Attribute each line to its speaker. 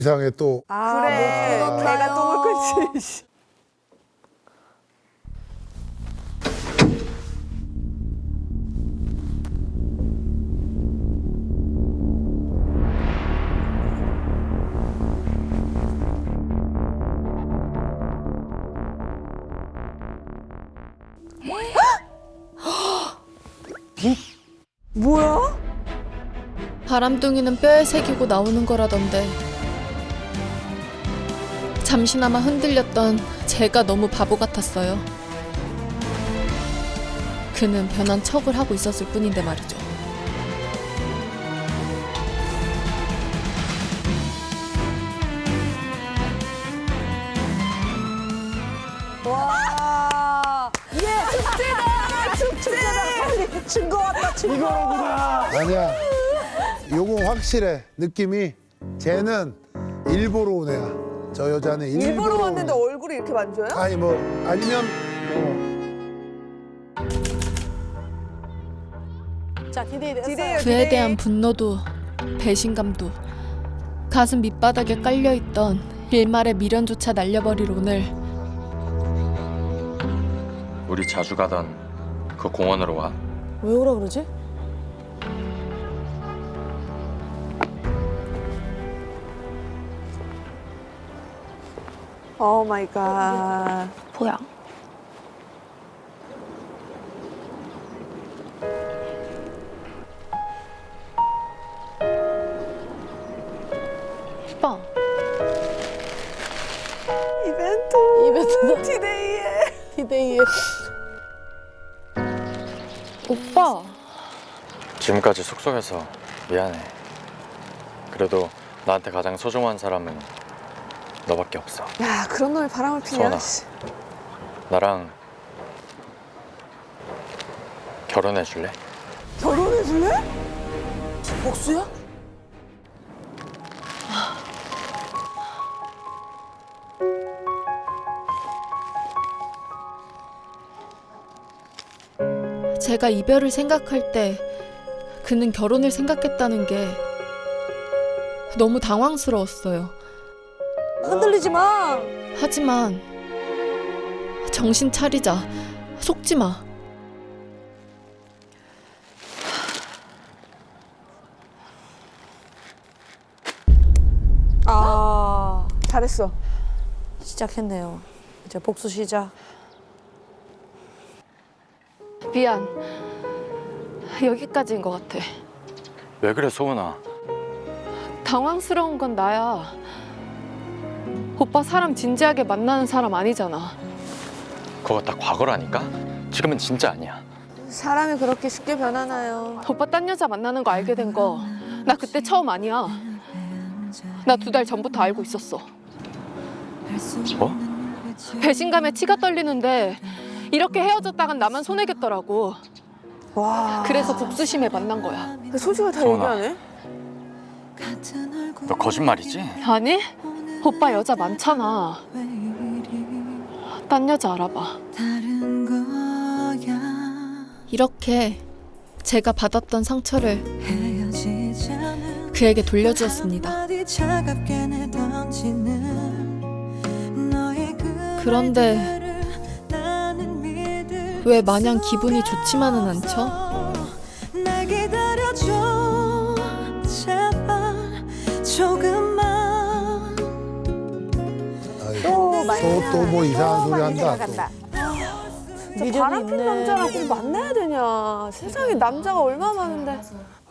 Speaker 1: 이상해 또.
Speaker 2: 그래. 걔가 똥을 끊지. 뭐야?
Speaker 3: 바람둥이는 뼈에 새기고 나오는 거라던데 잠시나마 흔들렸던 제가 너무 바보 같았어요. 그는 변한 척을 하고 있었을 뿐인데 말이죠.
Speaker 2: 와. 예. 축제다. 축제다. 빨리 증거 왔다. 증거.
Speaker 4: 이거로구나.
Speaker 1: 아니야. 요거 확실해. 느낌이 쟤는 일부러 온 애야. 저 여자는
Speaker 2: 일부러
Speaker 1: 온
Speaker 2: 왔는데
Speaker 1: 애야.
Speaker 2: 얼굴이 이렇게 만져요?
Speaker 1: 아니 뭐 아니면
Speaker 2: 자, 기대해.
Speaker 3: 그에 대한 분노도 배신감도 가슴 밑바닥에 깔려있던 일말의 미련조차 날려버릴 오늘.
Speaker 5: 우리 자주 가던 그 공원으로 와.
Speaker 2: 왜 오라 그러지? 오 마이 갓.
Speaker 3: 뭐야? 오빠.
Speaker 2: 이벤트다. 디데이에.
Speaker 3: 디데이에. 오빠.
Speaker 5: 지금까지 속속해서 미안해. 그래도 나한테 가장 소중한 사람은 너밖에 없어.
Speaker 2: 야, 그런 놈이 바람을 피냐?
Speaker 5: 소원아. 나랑 결혼해 줄래?
Speaker 2: 결혼해 줄래? 복수야?
Speaker 3: 제가 이별을 생각할 때 그는 결혼을 생각했다는 게 너무 당황스러웠어요.
Speaker 2: 흔들리지 마.
Speaker 3: 하지만 정신 차리자. 속지 마.
Speaker 2: 아, 잘했어.
Speaker 6: 시작했네요. 이제 복수 시작.
Speaker 3: 미안. 여기까지인 것 같아.
Speaker 5: 왜 그래 소은아?
Speaker 3: 당황스러운 건 나야. 오빠 사람 진지하게 만나는 사람 아니잖아.
Speaker 5: 그거 다 과거라니까? 지금은 진짜 아니야.
Speaker 2: 사람이 그렇게 쉽게 변하나요?
Speaker 3: 오빠 딴 여자 만나는 거 알게 된 거 나 그때 처음 아니야. 나 2달 전부터 알고 있었어.
Speaker 5: 뭐?
Speaker 3: 배신감에 치가 떨리는데 이렇게 헤어졌다간 나만 손해겠더라고.
Speaker 2: 와.
Speaker 3: 그래서 복수심에 만난 거야.
Speaker 2: 솔직히 다
Speaker 5: 소원아.
Speaker 2: 얘기하네.
Speaker 5: 너 거짓말이지?
Speaker 3: 아니? 오빠 여자 많잖아. 딴 여자 알아봐. 이렇게 제가 받았던 상처를 그에게 돌려주었습니다. 그런데 왜 마냥 기분이 좋지만은 않죠?
Speaker 1: 또 뭐 이상한 소리 한다. 또.
Speaker 2: 바람핀 남자랑 꼭 만나야 되냐. 세상에 남자가 얼마나 많은데.